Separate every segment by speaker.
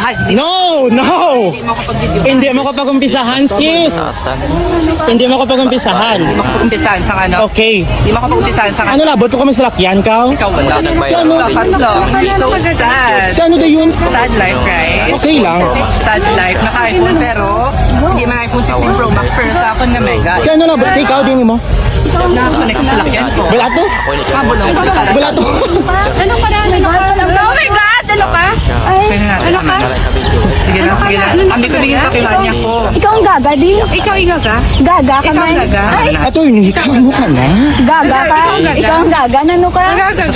Speaker 1: No! Hindi mo ko pag-umpisahan, sis. Hindi mo ko pag-umpisahan.
Speaker 2: Hindi mo ko pag-umpisahan sa ano.
Speaker 1: Okay.
Speaker 2: Hindi mo ko pag-umpisahan sa
Speaker 1: Ano labot ko kami sa lakyan, ka?
Speaker 2: Ikaw wala.
Speaker 1: Kano?
Speaker 2: Bakit lang? You're so sad.
Speaker 1: Kano da yun?
Speaker 2: Sad life, right?
Speaker 1: Okay lang.
Speaker 2: Sad life. Naka-iPhone pero hindi man iPhone 16 Pro Max pero sa akin na mega.
Speaker 1: Kano labot? Ikaw din mo?
Speaker 2: Nakakonect sa lakyan ko.
Speaker 1: Wala to?
Speaker 2: Kabulong.
Speaker 1: Wala to?
Speaker 3: Ano ka na? Ano ka? Oh my God! Ano ka? Ano ka?
Speaker 2: Sige lang, sige lang. Ambi ko bigyan pakilaan niya ko.
Speaker 3: Ikaw ang gaga, di? Ikaw ang gaga? Gaga ka
Speaker 2: Ikaw
Speaker 3: man?
Speaker 2: gaga.
Speaker 1: Attorney, ano ka na?
Speaker 3: Gaga ka? Ikaw ang gaga? Ano ka?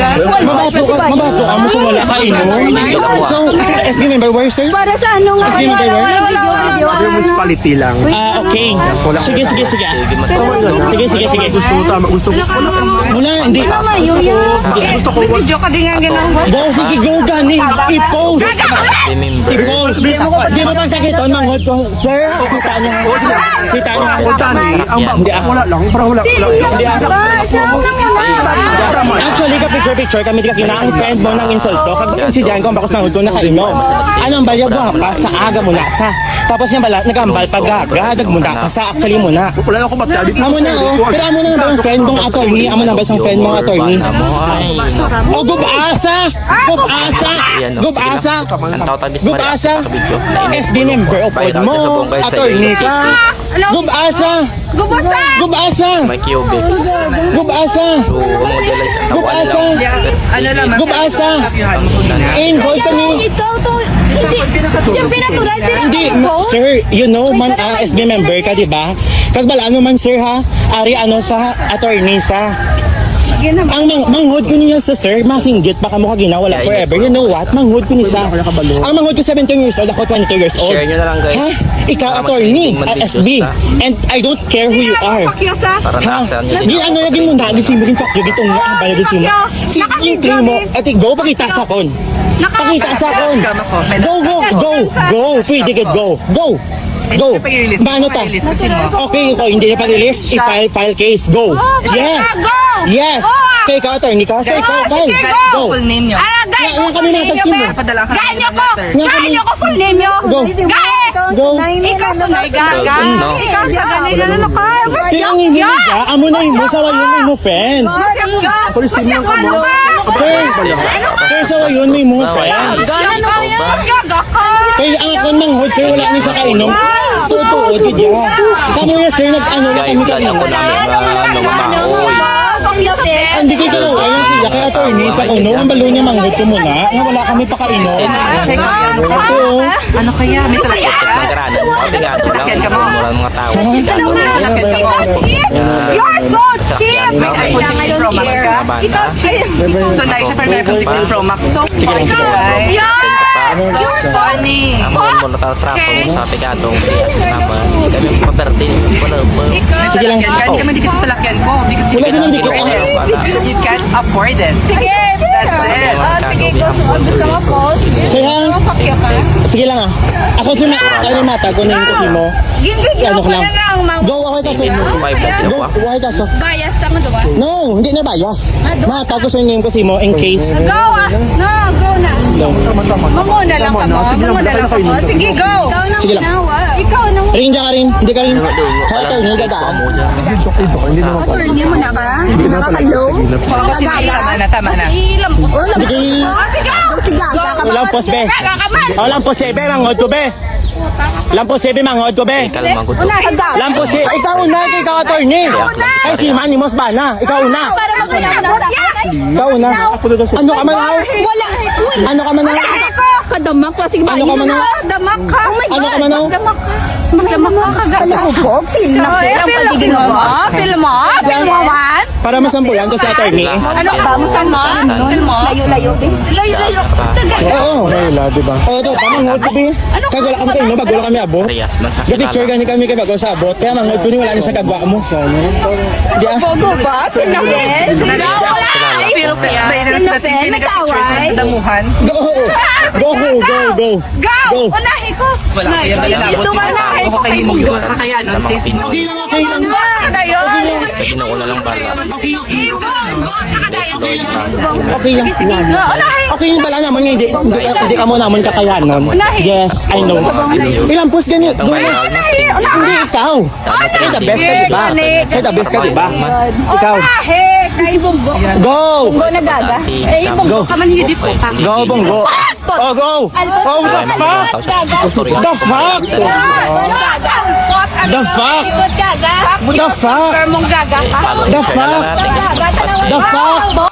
Speaker 1: Mabato ka mo sa wala sa ino. So, SB member, where, sir?
Speaker 3: Para sa ano nga?
Speaker 1: SB member, where?
Speaker 4: Yung municipality lang.
Speaker 1: Okay. Sige, sige, sige. Sige, sige, sige.
Speaker 4: Gusto mo tama, gusto mo.
Speaker 1: Wala, hindi.
Speaker 4: Gusto ko.
Speaker 3: Video ka din nga gano'n.
Speaker 1: Go, sige, go, gani. I-post. I-post. Di mo pa sakit, manghod ko. Sir, kita niya. Kita niya.
Speaker 4: O Dani, ang wala lang, parang wala.
Speaker 1: Hindi ako.
Speaker 3: Siya ang
Speaker 1: Actually, ka kami di ka kinaang friend mo ng insulto. Kag si Jan ko, bakos manghod ko nakainom. Anong bayag mo pa sa aga mo na sa. Tapos yung bala, nagambal pag gaga, nagmuna pa sa actually mo na.
Speaker 4: Wala ako ba't dito?
Speaker 1: Amo na, oh. Pero amo na ba yung friend mong attorney? Amo na ba yung friend mong attorney? Oh, gubasa! Gubasa! Gubasa! Gubasa! SD member o pod mo, attorney ka. Gubasa!
Speaker 3: Gubasa!
Speaker 1: Gubasa!
Speaker 5: May cubics.
Speaker 1: Gubasa!
Speaker 5: So, modelize ang
Speaker 1: Gubasa!
Speaker 2: Ano naman?
Speaker 1: Gubasa!
Speaker 2: Kapyuhan mo ko na.
Speaker 1: Involved kami.
Speaker 3: Ikaw to. Siya pinatural din
Speaker 1: Hindi, sir, you know man, SB member ka, di ba? Kagbala, ano man, sir, ha? Ari, ano sa attorney sa... Ang manghod ko niya sa sir, masinggit, baka mo ka ginawala forever. You know what? Manghod ko ni sa. Ang manghod ko 17 years old, ako 22 years old.
Speaker 5: Share nyo na lang, guys.
Speaker 1: Ha? Ikaw, attorney, SB. And I don't care who you are.
Speaker 5: Para
Speaker 1: Ha?
Speaker 5: nasa nyo.
Speaker 1: Di ano yung mo na, gisim mo rin pakyo, gitong nga, bala gisim mo. Si intro mo, ati, go, pakita sa kon. Pakita sa kon. Go, go, go, go. Pwede get go. Go. Go. Paano ta? Okay, so hindi na pag-release. I-file case. Go. Yes. Yes. Okay, ikaw, attorney ka. So, ikaw, file. Go.
Speaker 2: Full name niyo.
Speaker 1: Nga kami natagsin mo.
Speaker 2: Padala ka.
Speaker 3: Gain niyo ko! Gain niyo ko full name niyo!
Speaker 1: Go.
Speaker 3: Gain!
Speaker 1: Go.
Speaker 3: Ikaw sa gaga!
Speaker 5: No.
Speaker 3: Ikaw sa ganito ano ka?
Speaker 1: Kaya ang hindi ka, amo na mo sa wayon mo friend.
Speaker 3: Masyak ka mo!
Speaker 1: Sir, sir, sa wayon mo friend.
Speaker 3: Gano'n ka yan? Gaga ka!
Speaker 1: Kaya ang akon manghod, sir, wala ni sa kainom. Tutuod, kaya. Kamo na, sir, nag-ano na kami
Speaker 5: Guys,
Speaker 1: kanina.
Speaker 5: ako namin na mamahoy.
Speaker 1: Hindi kayo kalawa yung sila, kaya attorney, sa kuno, ang balo niya manghod ko muna, nga wala kami pa kainom. Oo.
Speaker 2: Ano kaya? May salakyan ka?
Speaker 5: Magkaranan mo. Tingnan mo lang.
Speaker 2: Salakyan ka mo.
Speaker 5: Mura mga tao.
Speaker 2: Salakyan ka mo.
Speaker 3: Cheap! You're so cheap!
Speaker 2: May iPhone 16 Pro Max ka?
Speaker 3: Ikaw cheap!
Speaker 2: So, like siya pero may iPhone 16 Pro Max. So funny, guys. You're funny.
Speaker 5: Amon mo natatrapo mo sa tigadong siya naman. Hindi kami paperti. Wala ba?
Speaker 1: Sige lang.
Speaker 2: Hindi kami dito sa salakyan ko. Because
Speaker 1: Wala din ang dito.
Speaker 2: you can't afford it.
Speaker 3: Sige!
Speaker 2: That's it.
Speaker 3: Sige, gusto mo post?
Speaker 1: Sir, ha?
Speaker 3: Pakya ka?
Speaker 1: Sige lang ah. Ako si mata ko na yung kasi mo.
Speaker 3: Ginbigyan
Speaker 1: Ano
Speaker 3: ko
Speaker 1: ko lang.
Speaker 3: na lang, ma'am.
Speaker 1: Go, ako taso.
Speaker 5: May
Speaker 1: Go, why taso?
Speaker 3: Bias tama diba?
Speaker 1: No, hindi na bias. Mata ko sa name kasi mo in case.
Speaker 3: Go ah! No, go na. Mamuna lang ka mo. Mamuna lang ka mo. Sige, go. Ikaw nang
Speaker 1: Sige lang.
Speaker 3: ginawa. Ikaw nang
Speaker 1: Ring ka rin. Hindi ka rin. Kaya attorney, dadaan.
Speaker 4: Hindi naman pala.
Speaker 3: attorney mo na ka? Nakakalow?
Speaker 2: Tama na.
Speaker 3: Ilam ko.
Speaker 1: Sige.
Speaker 3: Sige! Sige!
Speaker 1: Walang post, be. Walang post, be. Manghod ko, be. Lampos, be. Manghod ko, be.
Speaker 5: Kalmang ko to.
Speaker 1: Lampos, ikaw una, ikaw attorney. Ay, si Manny Mos ba na? Ikaw una.
Speaker 3: Para magulabot yan!
Speaker 1: Ikaw una. Ano ka man ako?
Speaker 3: Wala!
Speaker 1: Ano ka man ako?
Speaker 3: Kadamak ka. Sige ba?
Speaker 1: Ano ka man ako?
Speaker 3: Damak ka. Oh my God.
Speaker 1: Ano ka man ako?
Speaker 3: Mas damak ka. Mas damak ka kagaya. Ano po? Feel na feel ang paligid mo. Feel mo? Feel mo man?
Speaker 1: Para masampulan ko sa attorney.
Speaker 3: Ano ba? Masan mo? Feel mo? Layo-layo. Layo-layo.
Speaker 1: Oo. Wala, diba? Oo, ito. Manghod ko, be. Kag wala kami kayo, no? Bago lang kami abot.
Speaker 5: Parehas man sa
Speaker 1: Ga-picture gani kami kay bago sa abot. Kaya manghod ko ni wala ni sa kagwa mo. Di ah.
Speaker 3: Bogo ba? Feel na feel? Feel ka yan?
Speaker 2: May na sila tingin nag-picture sa damuhan.
Speaker 1: Go! Go! Go! Go!
Speaker 3: Go! Unahin ko!
Speaker 2: Wala kaya malabot.
Speaker 3: Gusto mo unahin ko kay
Speaker 2: Kakayanan, sis.
Speaker 1: Okay lang, okay lang.
Speaker 3: Tayo!
Speaker 5: Ginoo na lang bala.
Speaker 1: Okay, okay.
Speaker 5: Lord lang.
Speaker 1: Okay lang. Okay lang pala naman nga, hindi ka mo naman kakayanon. Yes, I know. Ilang pus ganyan. Go na. Hindi ikaw. Kaya the best ka, diba? Kaya the best ka, diba? Ikaw. Go!
Speaker 3: Go na gaga.
Speaker 5: Eh,
Speaker 1: Go. Go, Bonggo. Oh, go! Oh, the fuck? The fuck? The fuck? The fuck?
Speaker 3: Gaga.
Speaker 1: The fuck? The fuck?